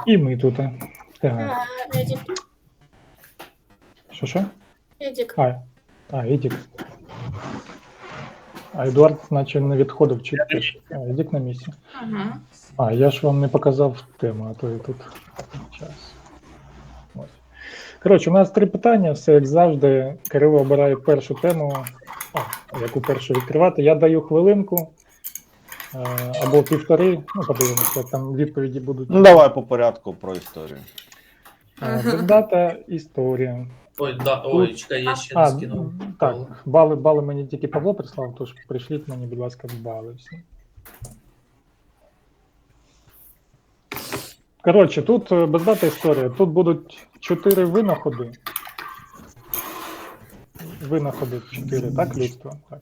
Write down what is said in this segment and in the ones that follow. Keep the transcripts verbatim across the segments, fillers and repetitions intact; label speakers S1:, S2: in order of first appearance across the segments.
S1: І ми тут. Так.
S2: А, Едік.
S1: Що що?
S2: Едік.
S1: А, а, Едік. А Едуард, наче не відходив чи теж. А, Едік на місці.
S2: Ага.
S1: А, я ж вам не показав тему, а то і тут час. Ось. Коротше, у нас три питання, все як завжди. Кирило обирає першу тему, а, яку першу відкривати. Я даю хвилинку е, або півтори, ну подивимося, як там відповіді будуть.
S3: Ну, давай по порядку про історію.
S1: Е, Дата, історія.
S4: Ой, да, ой, чекай, я ще не
S1: А,
S4: скинув.
S1: так, бали, бали мені тільки Павло прислав, тож прийшліть мені, будь ласка, бали всі. Коротше, тут е, без дати історія. Тут будуть чотири винаходи. Винаходи чотири, так, людство? Так.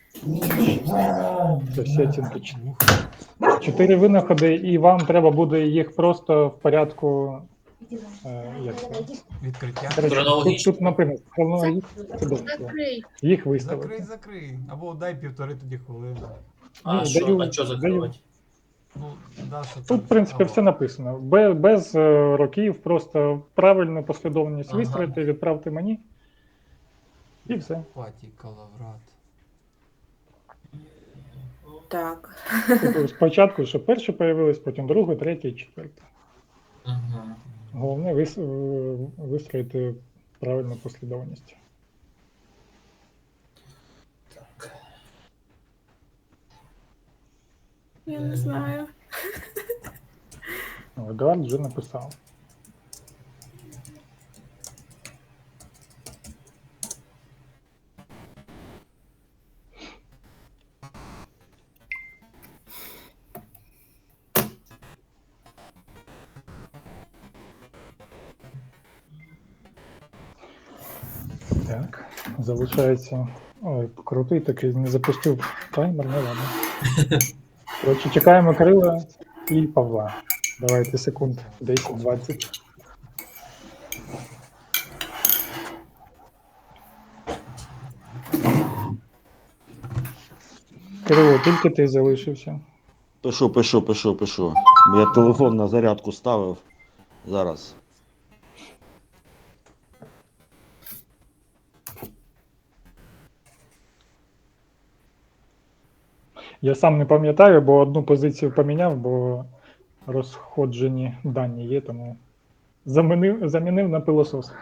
S1: Це всі оцінки чотири. Чотири винаходи, і вам треба буде їх просто в порядку. Е, як це?
S5: Відкриття.
S1: Коротше, тут,
S4: Хронологічно.
S1: тут написано, хронологічно, це добре.
S2: Закрий.
S1: Їх виставити.
S5: Закрий, закрий. Або дай півтори тоді хвилини.
S4: А
S1: Ні,
S4: що,
S1: даю-
S4: а що
S1: даю.
S4: закривати?
S5: Ну, Даша,
S1: Тут, в принципі, все написано. Без, без е, років, просто правильну послідовність
S4: Ага.
S1: вистроїти, відправте мені. І все.
S5: Паті Калаврат.
S2: Так.
S1: Тобто спочатку, що перше появилось, потім друге, третє і четверте.
S4: Угу.
S1: Головне вис, е, вистроїти правильну послідовність.
S2: Я не знаю.
S1: О, Едуард вже написав. Так, залишається. Ой, крутий такий, не запустив таймер, не ладно. Коротше, чекаємо Кирила і Павла. Давайте секунд десять-двадцять. Кирило, тільки ти залишився.
S3: Пишу, пишу, пишу, пишу. Я телефон на зарядку ставив. Зараз.
S1: Я сам не пам'ятаю, бо одну позицію поміняв, бо розходжені дані є, тому замінив, замінив на пилосос.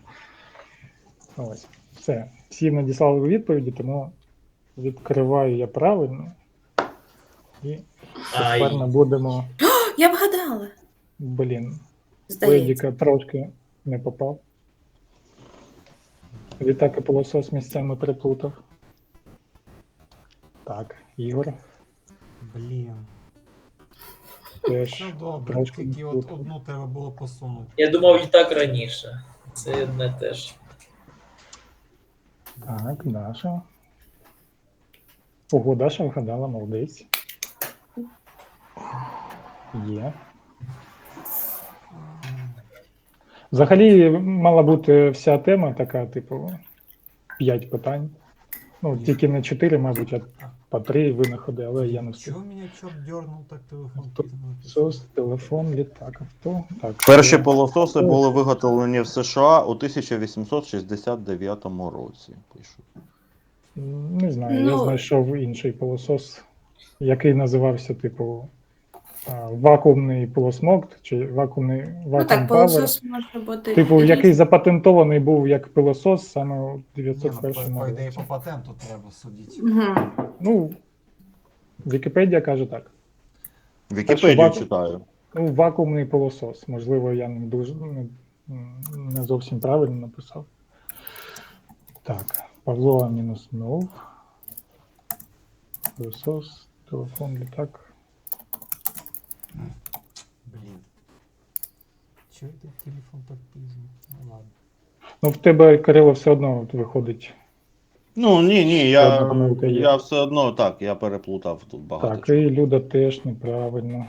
S1: Ось, все. Всі надіслали відповіді, тому відкриваю я правильно. І
S4: Ай.
S1: тепер ми будемо.
S2: Я вгадала.
S1: Блін,
S2: Здається.
S1: Едіка трошки не попав. Відтак і пилосос місцями переплутав. Так, Ігор
S5: Блін.
S1: теж
S5: Все добре,
S1: трошки
S5: тільки от
S1: переплутав.
S5: одну треба було посунути.
S4: Я думав і так раніше. Це не теж.
S1: Так, Даша. Ого, Даша вгадала, молодець. Є. Взагалі мала бути вся тема така, типу, п'ять питань. Ну, тільки не чотири, мабуть, а по три винаходи, але я не встиг.
S5: Чого мене чорт дьорнув так телефон
S1: Тут
S5: пізно?
S1: Сос, телефон, літак, авто. Так,
S3: Перші
S1: е,
S3: пилососи були виготовлені в США у тисяча вісімсот шістдесят дев'ятому році. Пишу.
S1: Не знаю, я
S2: Ну.
S1: знайшов інший пилосос, який називався, типу, а, вакуумний пилосмокт, чи вакуумний
S2: Ну
S1: вакуум
S2: так,
S1: павер.
S2: пилосос може бути.
S1: Типу,
S2: різний.
S1: який запатентований був як пилосос саме у
S5: Ні,
S1: дев'ятсот
S5: ну, по,
S1: першому
S5: по ідеї
S1: році.
S5: по патенту треба судити.
S2: Мгм.
S1: Ну, Вікіпедія каже так.
S3: Вікіпедію
S1: Перший
S3: читаю.
S1: Ну, вакуумний пилосос. Можливо, я не дуже не, не зовсім правильно написав. Так, Павло мінус нов. Пилосос, телефон, літак.
S5: Блін. Чого йде телефон так пізно? Ну ладно.
S1: Ну, в тебе, Кирило, все одно от виходить.
S3: Ну, ні, ні,
S1: Ще
S3: я,
S1: одна помилка є.
S3: я все одно так, я переплутав тут багато
S1: Так,
S3: чого.
S1: і Люда теж неправильно.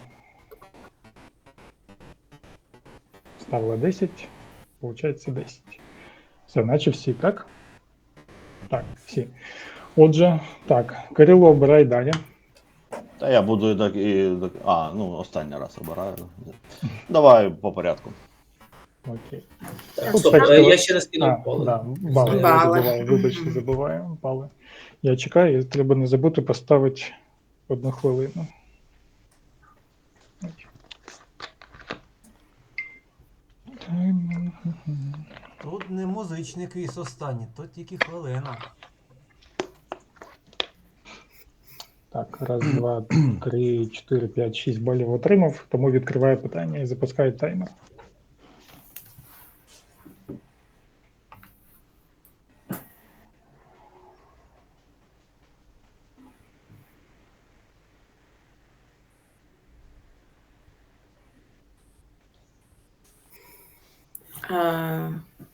S1: Ставила десять, получається десять. Все, наче всі, так? Так, всі. Отже, так, Кирило, обирай далі.
S3: Та я буду і так і. так- А, ну, останній раз обираю. Давай по порядку.
S1: Окей.
S4: Так,
S1: Тут
S4: стоп,
S1: так,
S4: е,
S1: що-
S4: я ще не
S1: А,
S4: скинув поле.
S1: да, бали. Я
S2: Бали.
S1: забуваю, вибачте, забуваю. Бали. Я чекаю, і треба не забути поставити одну хвилину.
S5: Тут не музичний квіз останній, тут тільки хвилина.
S1: Так, раз, два, три, чотири, п'ять, шість балів отримав, тому відкриваю питання і запускаю таймер.
S2: А,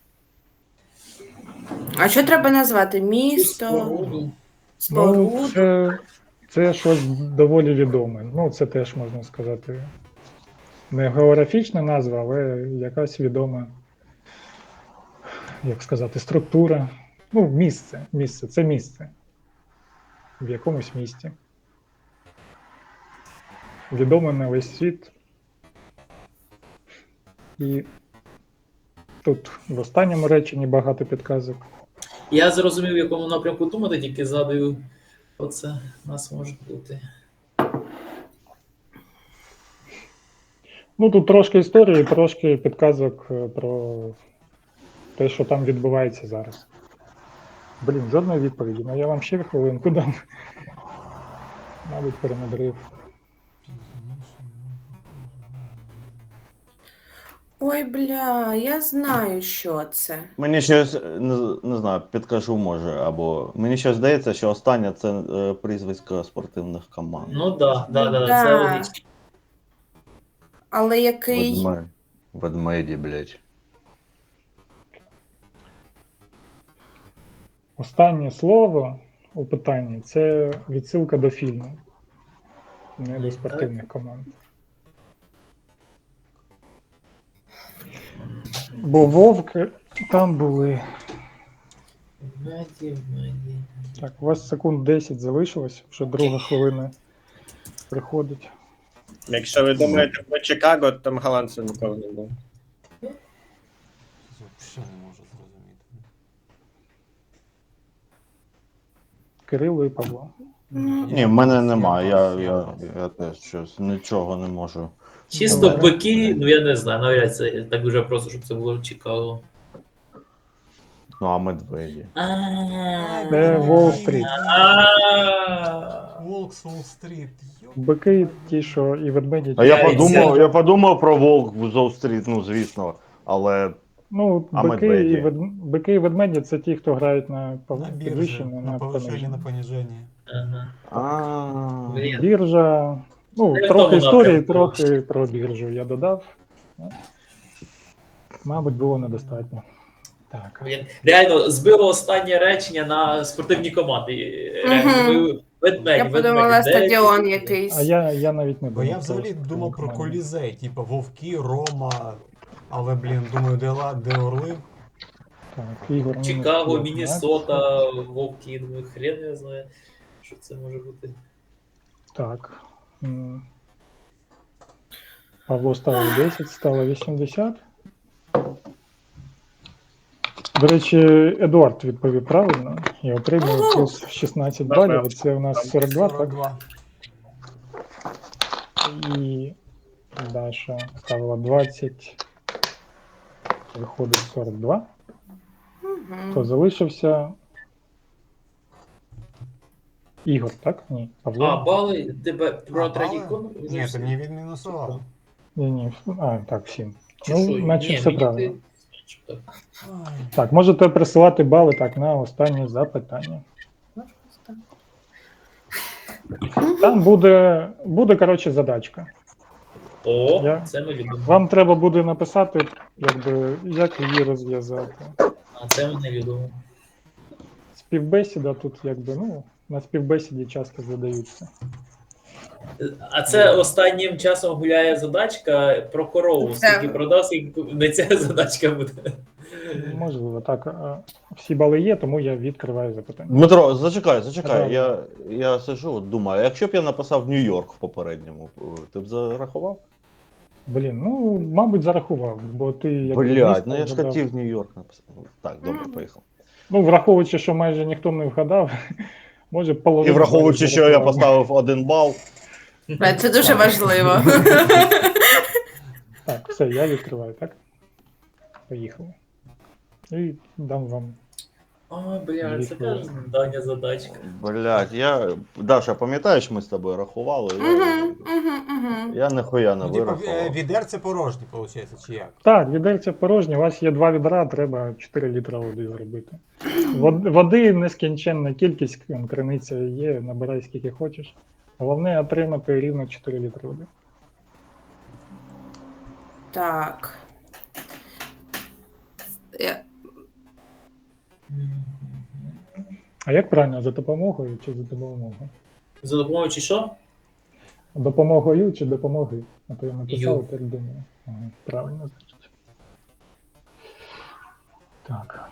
S2: а що треба назвати? Місто,
S4: Споруду.
S2: споруду?
S1: Ну, це, це щось доволі відоме. Ну, це теж можна сказати. Не географічна назва, але якась відома, як сказати, структура. Ну, місце. Місце. Це місце. В якомусь місті. Відоме на весь світ. І тут в останньому реченні багато підказок.
S4: Я зрозумів, в якому напрямку думати, тільки згадую, оце у нас може бути.
S1: Ну, тут трошки історії, трошки підказок е, про те, що там відбувається зараз. Блін, жодної відповіді. Ну я вам ще хвилинку дам. Мабуть, перемудрив.
S2: Ой, бля, я знаю, що це.
S3: Мені щось, не, не знаю, підкажу може, або мені щось здається, що останнє це е, прізвисько спортивних команд.
S4: Ну да, да, да,
S2: Да.
S4: це логічно.
S2: Але який?
S3: Ведме... Ведмеді, блядь.
S1: Останнє слово у питанні це відсилка до фільму, не до спортивних команд. Бо вовки там були.
S4: Меді, меді.
S1: Так, у вас секунд десять залишилось, вже друга хвилина приходить.
S6: Якщо ви думаєте про Чикаго, то там голландців ніколи не було.
S5: Взагалі не можу зрозуміти.
S1: Кирило і Павло.
S3: Ні, в мене немає, я, я, я теж щось нічого не можу.
S4: Чисто
S1: Добре.
S4: бики, ну я не знаю, навряд це так дуже просто, щоб це було в Чикаго.
S3: Ну, а медведі.
S1: Це Уолл-стріт.
S5: Волк з Уолл-стріт. Йоп.
S1: Бики ті, що і ведмеді.
S3: А я
S4: Я і
S3: подумав,
S4: це-
S3: я подумав про Волк в Зоу-стріт, ну звісно, але
S1: Ну,
S3: А
S1: бики,
S3: медведі?
S1: і вед... бики і ведмеді це ті, хто грають на, пов-
S5: На біржі,
S1: підвищення,
S5: на
S1: на
S5: повищення, на
S1: пониження.
S5: поніження.
S4: Ага.
S3: А,
S4: Блін.
S1: Біржа. Ну,
S4: Це в
S1: трохи
S4: тому
S1: історії,
S4: напрямку.
S1: трохи про біржу я додав. Ну, мабуть, було недостатньо. Так.
S4: Блін. Реально збило останнє речення на спортивні команди. Реально,
S2: Мгм.
S4: ви- ведмеді,
S2: Я подумала,
S4: ведмеді.
S2: стадіон
S4: Де-
S2: якийсь.
S1: А я, я навіть не
S5: Бо
S1: думав.
S5: я
S1: про
S5: взагалі
S1: спортивні
S5: думав про
S1: команди.
S5: колізей, типу Вовки, Рома, але, блін, думаю, де, ла- де Орли?
S1: Так, Ігор, мінус
S4: Чикаго,
S1: п'ятнадцять.
S4: Міннесота, Вовки, думаю, хрен я знаю, що це може бути.
S1: Так. М. Павло ставив десять, стало вісімдесят. До речі, Едуард відповів правильно і отримує
S2: Ого!
S1: плюс шістнадцять балів. Це у нас сорок два, так?
S5: сорок два.
S1: І Даша ставила двадцять. Виходить сорок два.
S2: Мгм.
S1: Хто залишився? Ігор, так? Ні. Павло?
S4: А, бали, тебе про
S5: А,
S4: третій
S5: бали?
S4: кон?
S5: Ні, ти мені відмінусував.
S1: Ні, ні. А, так, всім.
S4: Чи
S1: Ну,
S4: що?
S1: наче
S4: Ні,
S1: все
S4: мені
S1: правильно.
S4: ти- Так.
S5: Ай.
S1: Так, можете присилати бали так на останнє запитання. Там буде, буде коротше, задачка.
S4: О,
S1: Я-
S4: це ми любимо.
S1: Вам треба буде написати, якби, як її розв'язати.
S4: А це ми не любимо.
S1: Співбесіда тут, якби, ну, на співбесіді часто задаються.
S4: А це останнім часом гуляє задачка про корову.
S2: Це-
S4: Скільки продав, скільки не ця задачка буде.
S1: Можливо, так. а, Всі бали є, тому я відкриваю запитання.
S3: Дмитро, зачекай, зачекай.
S1: Добре.
S3: Я, я сижу, от думаю, якщо б я написав Нью-Йорк в попередньому, ти б зарахував?
S1: Блін, ну, мабуть, зарахував, бо ти як
S3: Блядь,
S1: місто
S3: ну я ж
S1: вгадав.
S3: хотів Нью-Йорк написати. Так, добре,
S2: Мгм.
S3: поїхав.
S1: Ну, враховуючи, що майже ніхто не вгадав, може
S3: І
S1: половину.
S3: враховуючи,
S1: балів
S3: що я
S1: зарахував.
S3: поставив один бал.
S2: Е, Це дуже важливо.
S1: Так, все, я відкриваю, так? Поїхали. І дам вам.
S4: О, бля,
S1: Дві
S4: це
S1: хвилини.
S4: теж завдання задачка.
S3: Блядь, я. Даша, пам'ятаєш, ми з тобою рахували? Я,
S2: Угу, угу, угу.
S3: я ніхуя не
S5: Ну, типу, е,
S3: вирахував.
S5: відерце порожнє, виходить, чи як?
S1: Так, відерця порожні, у вас є два відра, треба чотири літра води зробити. Вод- Води нескінченна кількість, там, криниця є, набирай скільки хочеш. Головне отримати рівно чотири літри води.
S2: Так. Я-
S1: А як правильно, за допомогою чи за допомогою?
S4: За допомогою чи що?
S1: Допомогою чи допомогою? А то я написав,
S4: Ю.
S1: так думаю. Ага, правильно, значить. Так.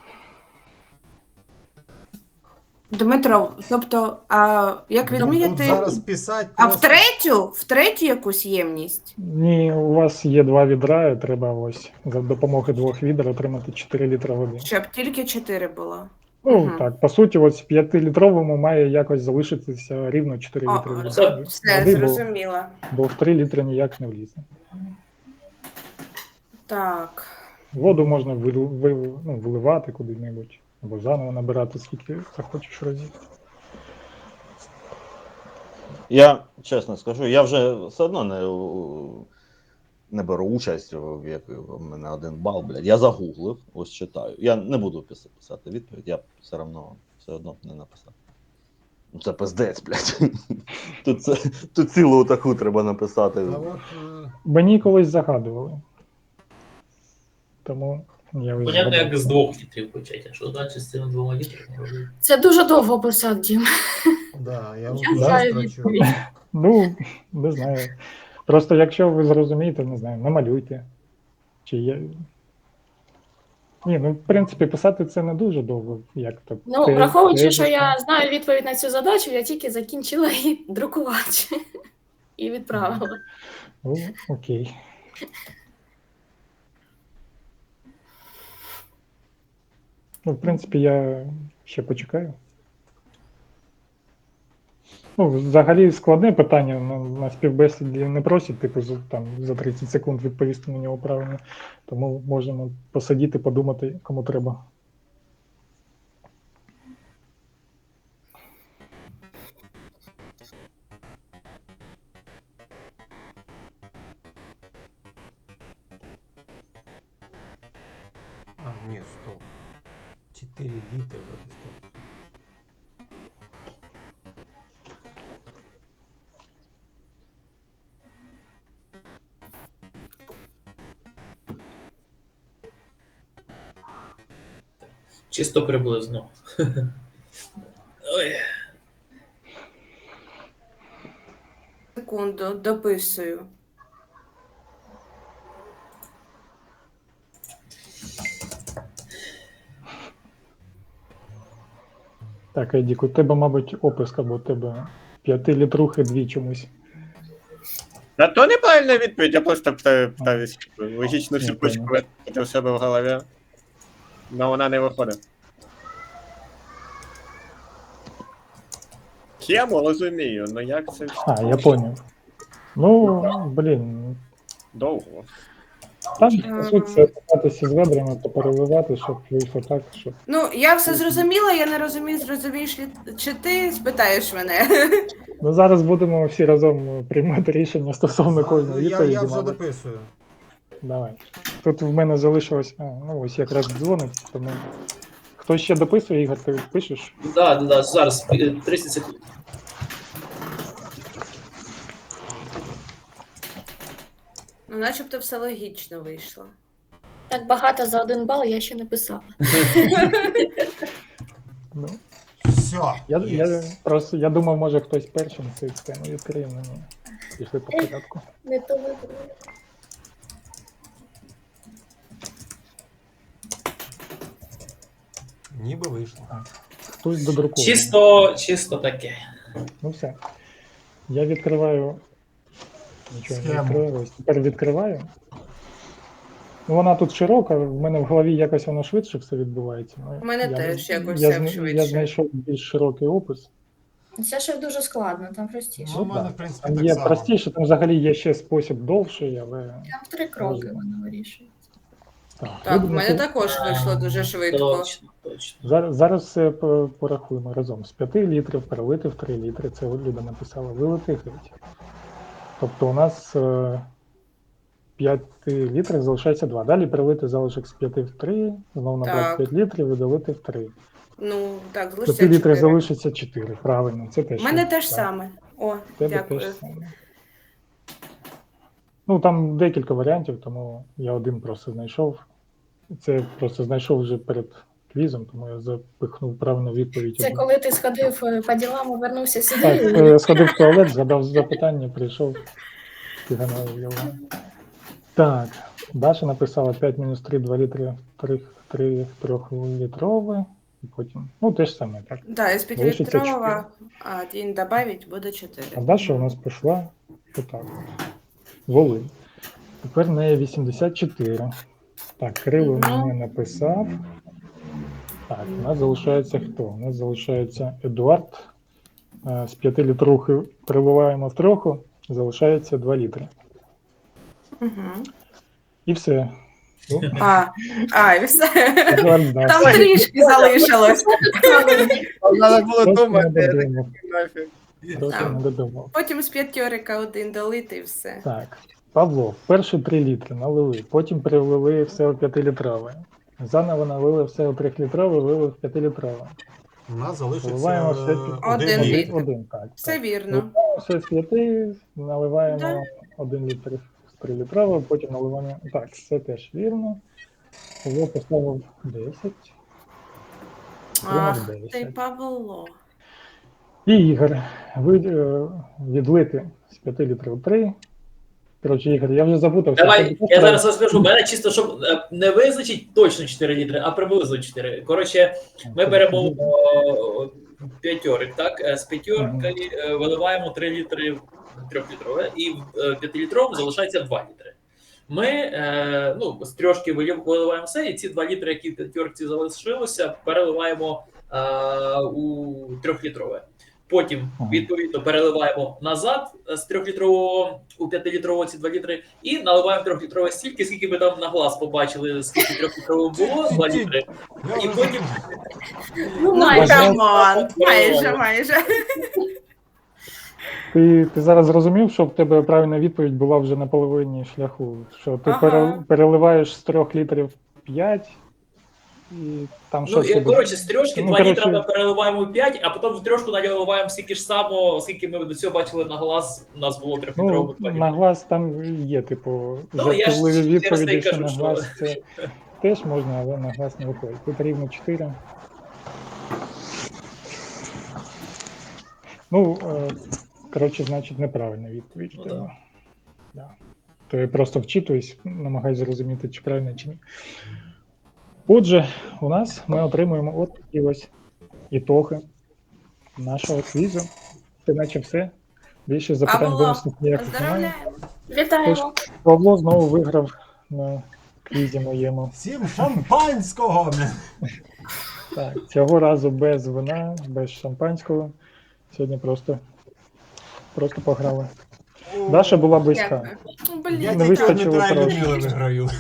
S2: Дмитро, тобто, а як
S5: Тут
S2: відміряти?
S5: зараз писати
S2: А в
S5: просто-
S2: третю? В третю якусь ємність?
S1: Ні, у вас є два відра, і треба ось за допомогою двох відер отримати чотири літра води.
S2: Щоб тільки чотири було.
S1: Ну,
S2: Мгм.
S1: так, по суті, ось п'ятилітровому має якось залишитися рівно чотири
S2: О,
S1: літри води.
S4: це
S2: Все,
S1: Води, бо,
S2: зрозуміла.
S1: бо в три літри ніяк не влізе.
S2: Так.
S1: Воду можна вил, вил, ну, виливати куди-небудь, або заново набирати, скільки захочеш разів.
S3: Я чесно скажу, я вже все одно не, не беру участь в як в мене один бал, блядь. Я загуглив, ось читаю. Я не буду пис- писати відповідь, я все одно все одно не написав. Ну це пиздець, блядь. Тут, це, тут цілу таку треба написати.
S5: А от, е,
S1: Мені колись загадували. Тому я ось
S4: Понятно,
S1: згадав.
S4: як з двох літрів почати, а що далі з цими двома літрами робити?
S7: Це дуже довго писав, Дім.
S5: да, я
S7: Я
S5: дуже
S7: знаю
S5: строчу.
S7: відповідь.
S1: Ну, не знаю. Просто якщо ви зрозумієте, не знаю, намалюйте. Чи є. Ні, ну в принципі писати це не дуже довго, як то.
S7: Ну,
S1: те-
S7: враховуючи, що
S1: тезисно.
S7: я знаю відповідь на цю задачу, я тільки закінчила її друкувати і відправила.
S1: Ну, окей. Ну, в принципі, я ще почекаю. Ну, взагалі складне питання на, на співбесіді не просять, типу, за, там, за тридцять секунд відповісти на нього правильно. Тому можемо посидіти, подумати, кому треба.
S5: А, ні, стоп. чотири літри вроде, стоп.
S4: Чисто приблизно. Ой.
S2: Секунду, дописую.
S1: Так, Едік, у тебе, мабуть, описка, бо у тебе п'ятилітрухи дві чомусь.
S6: Та то неправильна відповідь, я просто питаю, питаюсь логічну
S1: Я
S6: цепочку
S1: понял.
S6: витратити в себе в голові. Но вона не виходить. Схему розумію, ну як це
S1: А, я поняв. Ну, блін,
S6: довго.
S1: там, по суті, це кататися з ведрами, то переливати, щоб вийшло так, щоб.
S2: Ну, я все зрозуміла, я не розумію, зрозумієш ли чи ти спитаєш мене.
S1: Ну, зараз будемо всі разом приймати рішення стосовно кожної
S5: Я,
S1: відповіді.
S5: я вже
S1: мабуть.
S5: дописую.
S1: Давай. Тут в мене залишилось. А, ну ось якраз дзвонить, тому. Хто ще дописує, Ігор, ти пишеш?
S4: Да, да, да, зараз е, тридцять секунд.
S2: Ну, начебто все логічно вийшло.
S7: Так багато за один бал я ще не писала.
S1: Ну,
S5: Все.
S1: я, я, просто, я думав, може хтось першим цю тему відкриє, ну ні. Пішли по порядку.
S7: Не то вибрала.
S5: Ніби вийшло.
S1: Хтось додрукує.
S4: Чисто, чисто таке.
S1: Ну все. Я відкриваю Нічого не
S5: Схему.
S1: відкрилось. Тепер відкриваю. Ну, вона тут широка, в мене в голові якось воно швидше все відбувається. Ну,
S2: У мене
S1: я
S2: теж
S1: не-
S2: якось
S1: я,
S2: все
S1: зна-
S2: швидше.
S1: Я знайшов більш широкий опис.
S7: Це ще дуже складно, там простіше.
S5: Ну, в мене,
S1: так.
S5: в принципі,
S1: Там
S5: так
S1: є
S5: само.
S1: простіше, там взагалі є ще спосіб довший, але
S7: Там в три кроки
S1: Можливо.
S7: воно вирішується.
S1: так.
S2: Так, в
S1: Ну,
S2: мене
S1: це-
S2: також вийшло дуже швидко.
S4: Точно, точно.
S1: Зараз, зараз все по- порахуємо разом. З п'яти літрів перелити в три літри, це Люда написала, вилити геть. Тобто у нас е, п'ять літрів залишається два. Далі перелити залишок з п'яти в три, знову набрати
S2: Так.
S1: п'ять літрів і долити в три.
S2: Ну, так,
S1: З
S2: залишиться
S1: п'яти літрів
S2: чотири.
S1: залишиться чотири, правильно, це теж.
S2: У мене
S1: так.
S2: теж саме. О,
S1: В тебе
S2: дякую.
S1: теж саме. Ну, там декілька варіантів, тому я один просто знайшов. Це просто знайшов вже перед квізом, тому я запихнув правильну відповідь.
S7: Це
S1: одну.
S7: коли ти сходив е, по ділам і вернувся сюди.
S1: Так,
S7: і-
S1: е, сходив в туалет, згадав запитання, прийшов, піганав його. Так, Даша написала п'ять мінус три, два літри, три трьохлітрове, і потім, ну, те ж саме, так.
S2: Да, із
S1: Залишиться
S2: п'ятилітрова, а один добавить, буде чотири.
S1: А Даша у нас пішла отак. Волинь. Тепер в неї вісімдесят чотири. Так, Кирило
S2: Ну.
S1: мені написав. Так, у нас залишається хто? У нас залишається Едуард. Е, З п'яти літрухи переливаємо в трьоху, залишається два літри.
S2: Угу.
S1: І все. Ну,
S2: А, а, і все.
S1: Едуард знав.
S2: Там трішки залишилось.
S6: Треба було
S1: Просто
S6: думати,
S1: не
S6: я такий,
S1: додумав.
S6: нафіг.
S1: Просто
S2: Так.
S1: не додумав.
S2: Потім з п'ятьорика один долити і все.
S1: Так, Павло, перші три літри налили, потім перелили все у п'ятилітрове. Заново налили все у трьохлітрове, вилили в п'ятилітрове.
S5: У нас залишиться
S1: Вливаємо все
S5: е,
S1: під-
S2: Один
S5: один
S2: літр.
S5: літр.
S1: Один, так.
S2: Все
S1: так.
S2: вірно.
S1: Вливаємо все з п'яти, наливаємо
S2: Да.
S1: один літр з трилітрового, потім наливаємо. Так, це теж вірно. Павло поставив десять.
S2: Ах,
S1: дев'ять.
S2: ти Павло.
S1: І Ігор, ви е, відлити з п'яти літрів три. Коротше, Ігор, я вже запутався.
S4: Давай,
S1: Тобі
S4: я
S1: просто-
S4: зараз розкажу. Мене чисто, щоб е, не визначить точно чотири літри, а приблизно чотири. Коротше, ми беремо о, п'ятьорик, так? Е, З п'ятьорки е, виливаємо три літри в трьохлітрове, і в е, п'ятилітровому залишається два літри. Ми е, ну, з трьошки вилив- виливаємо все, і ці два літри, які в п'ятьорці залишилося, переливаємо е, у трьохлітрове. Потім,
S1: Ага.
S4: відповідно, переливаємо назад з трьохлітрового у п'ятилітрового ці два літри і наливаємо трьохлітрове стільки, скільки ми там на глаз побачили, скільки трьохлітрового було, два літри.
S5: Я
S4: І
S5: вже
S4: потім
S7: Ну,
S2: Ну,
S7: майже.
S2: камон, майже, майже.
S1: Ти, ти зараз зрозумів, що в тебе правильна відповідь була вже на половині шляху. Що ти
S2: Ага.
S1: пере- переливаєш з трьох літрів п'ять, і там
S4: ну,
S1: щось.
S4: і,
S1: тебе-
S4: коротше, з трьошки
S1: Ну,
S4: два
S1: коротше-
S4: літра ми переливаємо у п'ять, а потім в трьошку наливаємо стільки ж само, скільки ми до цього бачили на глаз, у нас було трьохлітрового
S1: Ну,
S4: два
S1: на
S4: літри.
S1: глаз там є, типу,
S4: Ну, я ж
S1: жартівливі
S4: через те й
S1: відповіді, що
S4: кажу,
S1: на
S4: що-
S1: глаз це теж можна, але на глаз не виходить. Тут рівно чотири. Ну, е, коротше, значить, неправильна відповідь.
S4: Ну,
S1: в тебе.
S4: да.
S1: Да. То я просто вчитуюсь, намагаюся зрозуміти, чи правильно, чи ні. Отже, у нас ми отримуємо от такі ось ітоги нашого квізу. Це наче все. Більше запитань
S2: Павло,
S1: бонусних ніяких немає.
S2: Поздравляємо.
S7: Вітаємо.
S1: Павло знову виграв на квізі моєму.
S5: Всім шампанського!
S1: Так, цього разу без вина, без шампанського. Сьогодні просто, просто пограли. Даша була близька.
S2: Дякую. Ну, блін,
S5: Я
S1: не
S5: тільки
S1: вистачило
S5: Дмитра і
S1: трошки.
S5: Людмили виграю.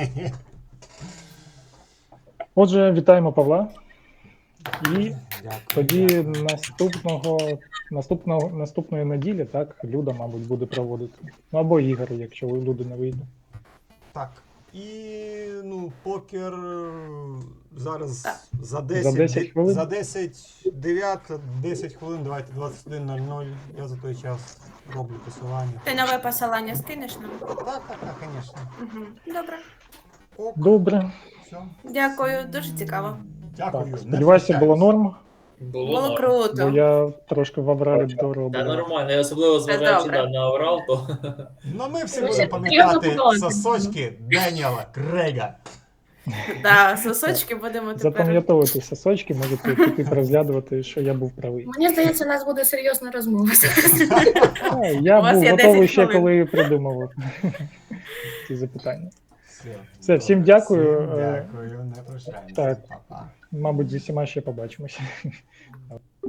S1: Отже, вітаємо Павла. І
S5: Дякую.
S1: тоді
S5: дякую.
S1: наступного, наступного, наступної неділі, так, Люда, мабуть, буде проводити. Ну або Ігор, якщо у Люди не вийде.
S5: Так. І ну, покер е, зараз
S2: Так.
S5: за десять,
S1: За десять
S5: ді-
S1: хвилин?
S5: За десять, дев'ять, десять хвилин, давайте двадцять один нуль нуль. Я за той час роблю посилання.
S2: Ти нове посилання скинеш нам?
S5: Так, так, так, звісно.
S2: Угу. Добре.
S5: Ок,
S1: Добре.
S5: все.
S2: Дякую, дуже цікаво.
S5: Дякую.
S1: Так,
S5: не
S1: сподіваюся, було
S5: прощаюсь.
S1: норм,
S4: Було
S2: Було
S4: норм.
S2: круто.
S1: бо я трошки в авралі
S4: Та
S1: доробив.
S4: нормально, я особливо зважаючи
S2: добре.
S4: да, на Аврал, то
S5: Ну, ми всі
S7: Ви
S5: будемо
S7: ще
S5: пам'ятати
S7: потрібно подумати.
S5: сосочки Деніела Крейга.
S2: Да, сосочки будемо тепер.
S1: Запам'ятовувати сосочки, можете піти розглядати, що я був правий.
S7: Мені здається, у нас буде серйозна розмова.
S1: А, Я
S2: У вас
S1: був
S2: є
S1: готовий
S2: десять
S1: ще,
S2: хвилин.
S1: коли придумував ці запитання.
S5: Все,
S1: Все, всім дякую.
S5: Всім
S1: Е,
S5: дякую, не прощаємося.
S1: так.
S5: Па-па.
S1: Мабуть, зі всіма ще побачимося.